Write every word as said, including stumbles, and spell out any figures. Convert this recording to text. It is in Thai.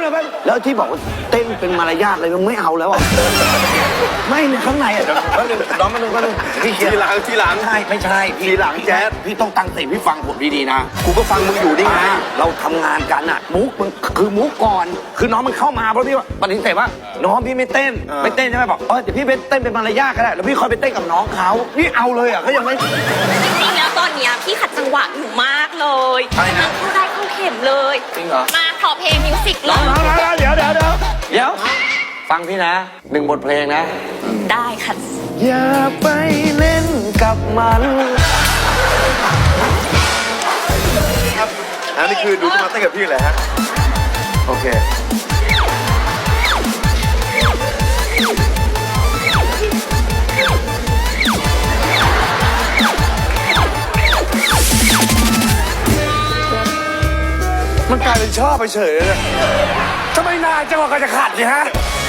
ยวแล้วที่บอกว่าเต้นเป็นมารยาทอะไรมันไม่เอาแล้วอ่ะไม่เนี่ยข้างในอ่ะก็หนึ่งน้องมาหนึ่งก็หนึ่งพี่ทีหลังทีหลังใช่ไม่ใช่ทีหลังแจ๊สพี่ต้องตั้งสติพี่ฟังผมดีๆนะกูก็ฟังมึงอยู่นี่ไงเราทำงานกันอ่ะมุกมันคือมุกก่อนคือน้องมันเข้ามาเพราะพี่ว่าปฏิเสธว่าน้องพี่ไม่เต้นไม่เต้นใช่ไหมบอกเออเดี๋ยวพี่ไปเต้นเป็นมารยาทก็ได้แล้วพี่คอยไปเต้นกับน้องเขานี่เอาเลยอ่ะเขายังไม่จริงๆแล้วตอนเนี้ยพี่ขัดจังหวะอยู่มากเลยเข้าได้เข้าเข็มเลยจริงเหรอมาขอเพลงมิวสิกเลยเดี๋ยวเดี๋ยวเดี๋ยวเดี๋ยวฟังพี่นะหนึ่งบทเพลงนะได้ค่ะอย่าไปเล่นกับมันอันนี้คือดูจะมาเต้นกับพี่เลยฮะโอเคมันกลายเป็นชอบไปเฉยเลยทำไมนานจังหวะก็จะขัดสิฮะ